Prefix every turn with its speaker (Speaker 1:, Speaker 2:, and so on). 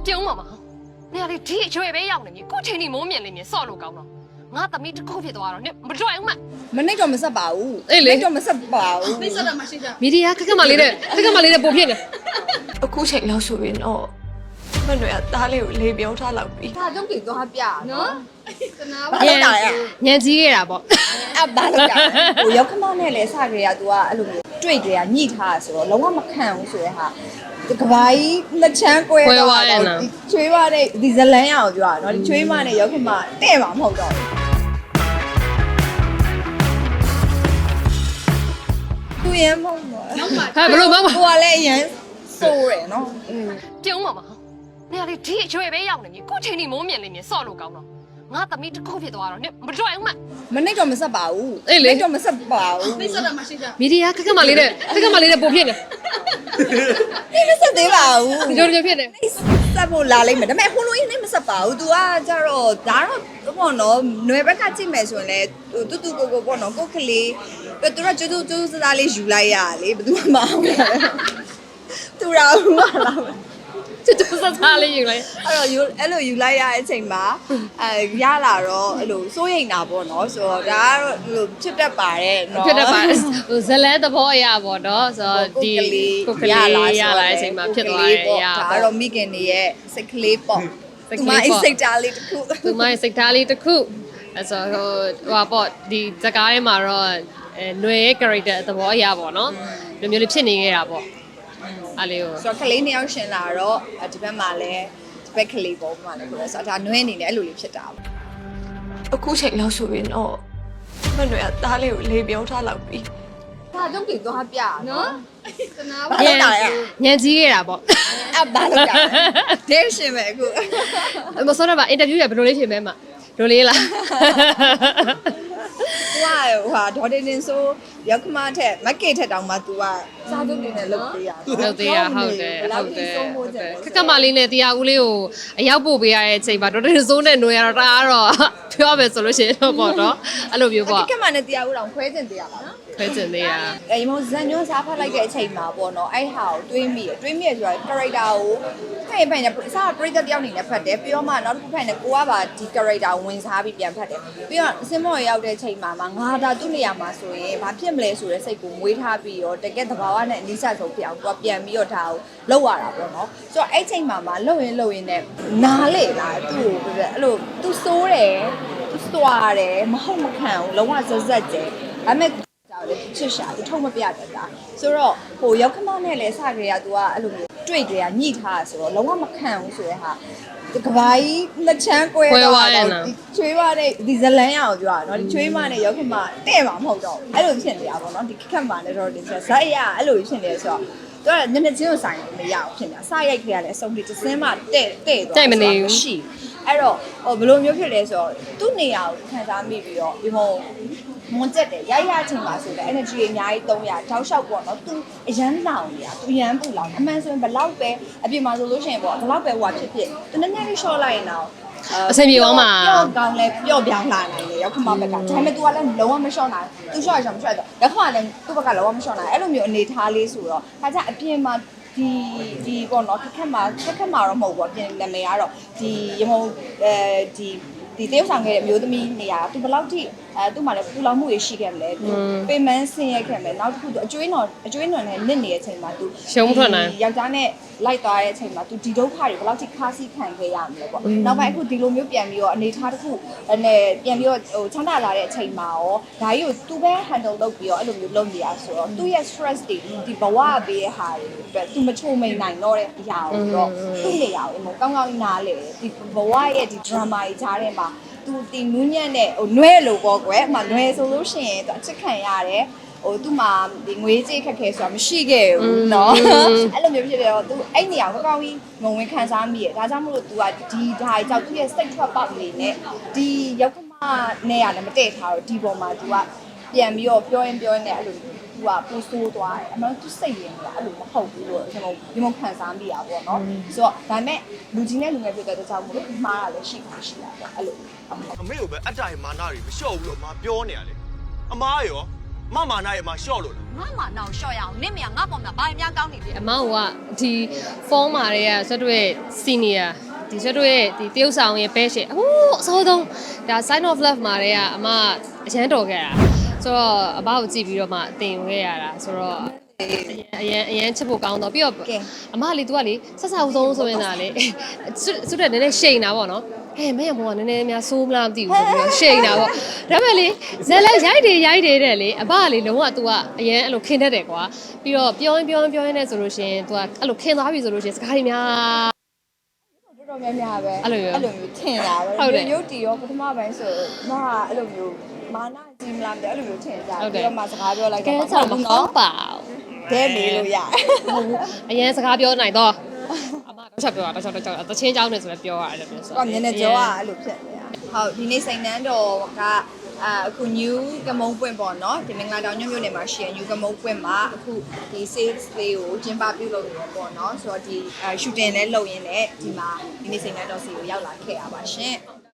Speaker 1: ပြုံးမှာမဟုတ်နေရာလေးဒီအရွယ်ပဲရောက်နေပြီကိုချိန်နေမိုးမြင်နေမြင်စော့လို့ကောင်းတော့ငါသမီးတစ်ခုဖြစ်သွားတော့နင်မကြွအောင်မ
Speaker 2: မနှိပ်တော့မဆက်ပါဘူး
Speaker 1: အေးလေ
Speaker 2: တော့မဆက်ပါဘူး
Speaker 3: နှိပ်စက်တာမရှိကြ
Speaker 1: မီဒီယာခက်ခက်မလေးတဲ့ပိုဖြစ်နေ
Speaker 3: အခုချိန်လောက်ဆိုရင်တော့မနှွေကသားလေးကိုလေးပြောထားလောက်ပြီ
Speaker 2: ဒါကြောင့်ကြည့်သွားပြနော်သနာပါ
Speaker 1: ညံကြီးခဲ့တာပေါ့
Speaker 2: အဲ့ဘာလို့ကြဟိုရောက်ခမနဲ့လဲစကြရ तू ကအဲ့လိုမျိုးတွေ့ကြရညှိထားဆိုတော့လုံးဝမခံဘူးဆိုတဲ့ဟာဒီကဘာကြီးလက်ချမ်းကွဲတော့ဒီချွေးမနဲ့ဒီဇလန်းရအောင်ပြောတာနော်ဒီချွေးမနဲ့ရောက်ခမတဲ့မှာမဟုတ်တော့ဘူးသူရမ်းမဟုတ်တော့
Speaker 1: ဟာဘလို့မမ
Speaker 2: ကိုကလည်းအရန်စိုးရယ်နော်
Speaker 1: ပြုံးမှာမဟုတ်နေရာလေးဒီအရွယ်ပဲရောက်နေပြီကိုချိန်နေမိုးမြင်နေမြင်စော့လို့ကောင်းတော့ငါသမီးတစ်ခုဖြစ်သွားတော့နင်မကြွအောင်မ
Speaker 2: မနှိပ်တော့မဆက်ပါဘူး
Speaker 1: အေးလေ
Speaker 2: နှိပ်တော့မဆက်ပါဘူး
Speaker 3: နှိပ်စက်တာမရှိကြ
Speaker 1: မီဒီယာခက်ခက်မလေးတဲ့ပိုဖြစ်နေ
Speaker 2: နှိပ်မဆက်သေးပါဘူး
Speaker 1: ဒီလိုဖြစ်နေ
Speaker 2: ဆက်ဖို့လာလိမ့်မယ်ဒါပေမဲ့ဟိုလိုကြီးနှိပ်မဆက်ပါဘူး तू ကကြတော့ဒါတော့ပေါ့နော်ຫນွယ်ဘက်ကကြည့်မယ်ဆိုရင်လည်းတူတူကိုပေါ့နော်ကိုကလေးသူကကျူးစားစားလေးယူလိုက်ရလေဘယ်သူမှမအောင်သူရာဘူးမလား
Speaker 1: တူစားစားလေးယူလိုက်
Speaker 2: အဲ့လိုယူလိုက်ရတဲ့အချိန်မှာရလာတော့အဲ့လိုစိုးရိမ်တာပေါ့နော်ဆိုတော့ဒါကတော့အဲ့လိုဖြစ်တတ်ပါတယ်နော်
Speaker 1: ဖြစ်တတ်ပါဟိုဇလဲသဘောအရာပေါ့နော်ဆိုတော့ဒီကိုကလေးရလာတဲ့အချိန်မှာဖြစ်သွားတယ်အရာ
Speaker 2: ဒါ
Speaker 1: ပေါ့
Speaker 2: တော့မိခင်တွေရဲ့စိတ်ကလေးပေါ့
Speaker 1: စိတ်
Speaker 2: သူ
Speaker 1: က
Speaker 2: မ
Speaker 1: လေးပေါ့
Speaker 2: စိတ်ဓာတ်လေးတစ်ခု
Speaker 1: သူမရဲ့စိတ်ထားလေးတစ်ခုအဲဆိုဟိုဟာပေါ့ဒီဇကားထဲမှာတော့ຫນွေရဲ့ character သဘောအရာပေါ့နော်ဒီမျိုးလေးဖြစ်နေခဲ့တာပေါ့အားလေးကို
Speaker 2: ဆိုတော့ကလေးနှစ်ယောက်ရှင်လာတော့ဒီဘက်မှာလည်းဒီဘက်ကလေးပေါ့မှာလည်းပြောဆိုတော့ဒါနွဲအနေနဲ့အဲ့လိုလေးဖြစ်တာပေါ့
Speaker 3: အခုချိန်လောက်ဆိုရင်တော့မနှွေကသားလေးကိုလေးပြောထားလောက်ပြီ
Speaker 2: ဒါကြောင့်ကြည့်သွားပြနော်သနာပါ
Speaker 1: ညံကြီးခဲ့တာပေါ့
Speaker 2: အဲ့ဘာလို့ကြဒိတ်ရှင်ပဲအခု
Speaker 1: မစောတော့ပါအင်တာဗျူးရဘယ်လိုလေးဖြစ်မဲမှာဒိုလေးလား
Speaker 2: ဟိုဟာဒေါ်တင်တင်ဆိုရောက်ခမထက်မက်ကေထက်တောင်မှ तू ကစားကြုံနေနဲ့လုပ်ပေးရ
Speaker 1: ဟုတ်သေးရဟုတ်တယ်ခက်ခက်မလေးနဲ့တရားဦးလေးကိုအရောက်ပို့ပေးရတဲ့အချိန်မှာဒေါက်တာစိုးနဲ့ຫນွေရတော့တအားတော့ပြောမယ်ဆိုလို့ရှိရင်တော့ပေါ့နော်အဲ့လိုမျိုးပေါ့
Speaker 2: ခက်မနဲ့တရားဦးတောင်ခွဲကျင်တရားပါနော်
Speaker 1: ခွဲကျင်သေးရ
Speaker 2: အဲ့မောဇန်ညွန်းစားဖတ်လိုက်တဲ့အချိန်မှာပေါ့နော်အဲ့ဟာကိုတွေးမိရဆိုတာ character ကိုဖိုင်နဲ့စားပရိသတ်တယောက်အနေနဲ့ဖတ်တယ်ပြီးတော့မှနောက်တစ်ခုဖိုင်နဲ့ကိုကပါဒီ character ဝင်စားပြီးပြန်ဖတ်တယ်ပြီးတော့အစင်းမော်ရောက်တဲ့အချိန်မှာငါဒါသူ့နေရာမှာဆိုရင်ဘာဖြစ်မလဲဆိုတဲ့စိတ်ကိုမွေးထားပြီးတော့တကယ်သဘာဝနဲ့အနိစ္စဆုံးဖြစ်အောင်သူကပြန်ပြီးတော့ဒါကိုလောက်ရတာပေါ့နော်ဆိုတော့အဲ့ချိန်မှာလှုပ်ရင်းနဲ့နားလေလားသူ့ကိုအဲ့လိုသူစိုးတယ်သူစွာတယ်မဟုတ်မခံဘူးလုံးဝဇက်ကျဲဒါပေမဲ့ကြောက်လေချစ်ရှာသူထုံမပြတတ်တာဆိုတော့ဟိုရောက်ခမနဲ့လဲစကြရ तू ကအဲ့လိုမျိုးတွေ့ကြရညှိထားဆိုတော့လုံးဝမခံဘူးဆိုတဲ့ဟာဒီကဘာကြီးလက်ချမ်းကွဲတော့ဒီချွေးမနဲ့ဒီဇလန်းရအောင်ပြောတာเนาะဒီချွေးမနဲ့ရောက်ခမတဲ့မှာမဟုတ်တော့အဲ့လိုဖြစ်နေတာပေါ့เนาะဒီခက်မှာလည်းတော့ဒီဇက်ရအဲ့လိုဖြစ်နေဆိုတော့သူကညနေချင်းကိုဆိုင်မရအောင်ဖြစ်နေတာစရိုက်ခရလည်းအဆုံးထိတစ်စင်းမှတဲ့သွားရှိအဲ့တော့ဟိုဘယ်လိုမျိုးဖြစ်လဲဆိုတော့သူ့နေရာကိုခံစားမိပြီးတော့ဒီဟိုမွန်ကျက်တယ်ရချင်းပါဆိုတော့ energy အများကြီး300တောက်လျှောက်ပေါ့နော်သူအရန်လောင်နေတာသူအရန်ပူလောင်အမှန်ဆိုရင်ဘလောက်ပဲအပြင်မှာဆိုလို့ရှိရင်ပေါ့ဘလောက်ပဲဟိုဖြစ်သူနည်းနည်းလေး short လိုက်ရင်တော့
Speaker 1: အဆင်ပြေသွားမှာ
Speaker 2: ပျော့ကောင်းလဲပျော့ပြောင်းလာနိုင်တယ်ရောက်ခမဘက်ကဒါပေမဲ့ तू ကလည်းလုံးဝမ short နိုင် तू short ရအောင်မ short တော့ရောက်ခမလည်းသူ့ဘက်ကလုံးဝမ short နိုင်အဲ့လိုမျိုးအနေထားလေးဆိုတော့ဒါကြအပြင်မှာဒီပေါ့နော်ခက်ခက်မှာတော့မဟုတ်ဘူးအပြင်နာမည်ကတော့ဒီရမုံဒီတရုတ်ဆောင်ခဲ့တဲ့အမျိုးသမီးနေရာသူဘယ်လောက်ထိသူ့မှာလည်းပူလောင်မှုတွေရှိခဲ့မလဲသူပေမန်းဆင်းရဲခဲ့မယ်နောက်တစ်ခုသူအကျွေးနွန်နဲ့နစ်နေတဲ့အချိန်မှာသူယောက်ျားနဲ့လိုက်သွားတဲ့အချိန်မှာသူဒီဒုက္ခတွေဘယ်လောက်ထိခါးစီးခံခဲ့ရမလဲပေါ့နောက်ပိုင်းအခုဒီလိုမျိုးပြန်ပြီးတော့အနေထားတစ်ခုနဲ့ပြန်ပြီးတော့ဟိုချမ်းသာလာတဲ့အချိန်မှာရောဒါကြီးကိုသူပဲ handle လုပ်ပြီးတော့အဲ့လိုမျိုးလုပ်နေရဆိုတော့သူ့ရဲ့ stress တွေဒီဘဝပေးတဲ့ဟာတွေအတွက်သူမချိုမိန်နိုင်တော့တဲ့အရာကိုတော့သူ့နေရာကိုကောင်းကောင်းနားလေဒီဘဝရဲ့ဒီ drama ကြီးကြားထဲမှာသူတီနူးညံ့တဲ့ဟိုနွဲလို့ပေါ့ကွယ်အမှနွဲဆိုလို့ရှိရင်သူအချစ်ခံရတယ်ဟိုသူ့မှာဒီငွေကြေးခက်ခဲဆိုတာမရှိခဲ့ဘူးเนาะအဲ့လိုမျိုးဖြစ်တယ်တော့သူအဲ့နေရာကိုကောင်းကြီးငုံဝင်ခံစားမိရဒါကြောင့်မို့လို့ तू ကဒီဒါကြောင့်သူ့ရဲ့စိတ်ထွက်ပေါက်လေးနဲ့ဒီရောက်ခမနဲ့ရတယ်မတည့်ထားတော့ဒီပေါ်မှာ तू ကပြန်ပြီးတော့ပြောရင်နဲ့အဲ့လို तू ကပူဆိုးသွားတယ်အမှန်သူစိတ်ရင်းကအဲ့လိုမဟုတ်ဘူးလို့ကျွန်တော်ဒီမခံစားမိရပါတော့เนาะဆိုတော့ဒါပေမဲ့လူကြီးနဲ့လူငယ်ဖြစ်တဲ့ကြောင့်မို့လို့မှားတာလည်းရှိတာပေါ့အဲ့လို
Speaker 4: အမေကိုပဲအတိုင်မာနတွေမလျှော့ဘူးလို့အမပြောနေရလေအမားရောမမနာရဲ့မှာရှော့လို့လား
Speaker 5: ငါမှနောက်ရှော့ရအောင်နင့်မရငါပေါ်မှာဘာများကောင်းနေပြီ
Speaker 1: အမောင်ကဒီဖုန်းမာတွေကဆွတ်တို့ရဲ့ senior ဒီဆွတ်တို့ရဲ့ဒီတရုတ်ဆောင်ရဲ့ best အဟိုးအစောဆုံးဒါ sign of love မာတွေကအမအရန်တော်ခဲ့တာဆိုတော့အဘကိုကြည့်ပြီးတော့မှတင်ခဲ့ရတာဆိုတော့အရန်ချစ်ဖို့ကောင်းတော့ပြီးတော့အမလေး तू ကလေဆက်ဆောက်ဆုံးဆိုရင်ဒါလေစွတ်တဲ့နည်းနည်းရှိန်တာပေါ့နော်ဟဲ့မင်းကဘောကနည်းနည်းများဆိုးမလားမသိဘူးဆိုပြီးတော့ရှိန်တာပေါ့ဒါပေမဲ့လေဇက်လက်ရိုက်တယ်တဲ့လေအဘကလေလုံးဝ तू ကအရန်အဲ့လိုခင်းတတ်တယ်ကွာပြီးတော့ပြောရင်နဲ့ဆိုလို့ရှင် तू ကအဲ့လိုခင်းသွားပြီဆိုလို့ရှင်စကားတွေများ
Speaker 2: တော်တော်များများပဲ
Speaker 1: အဲ့လို
Speaker 2: မျိုးထင်တာပဲ
Speaker 1: ဟုတ်တယ်
Speaker 2: ရုပ်တီရောပထမပိုင်းဆိုမကအဲ့လိုမျိုးမာနကြီးမလားအဲ့လိုမျိုးထင်ကြပြီးတော့မှစကားပြောလိုက်က
Speaker 1: ဲဆောက်မဟုတ်ပါဘူး
Speaker 2: ဒဲမေးလို့ရတယ်
Speaker 1: ဟုတ်ဘူးအရင်စကားပြောနိုင်တော့အမတော့ချက်ပြောတာတော့ချက်တချင်းကြောင်းနေဆိုလည်းပြောရအဲ့လိုမျိုးဆို
Speaker 2: တော့မျက်နှာကြောကအဲ့လိုဖြစ်နေတာဟုတ်ဒီနေ့စိန်နှန်းတော်ကအခု new ကမုံပွင့်ပေါ့နော်ဒီမင်္ဂလာတောင်ညွန့်မြို့နယ်မှာရှိရ new ကမုံပွင့်မှာအခုဒီ sales လေးကိုကျင်းပပြုလုပ်နေတယ်ပေါ့နော်ဆိုတော့ဒီ shooting လည်းလုပ်ရင်းနဲ့ဒီမှာဒီနေ့စိန်နှန်းတော်စီကိုရောက်လာခဲ့ရပါရှင်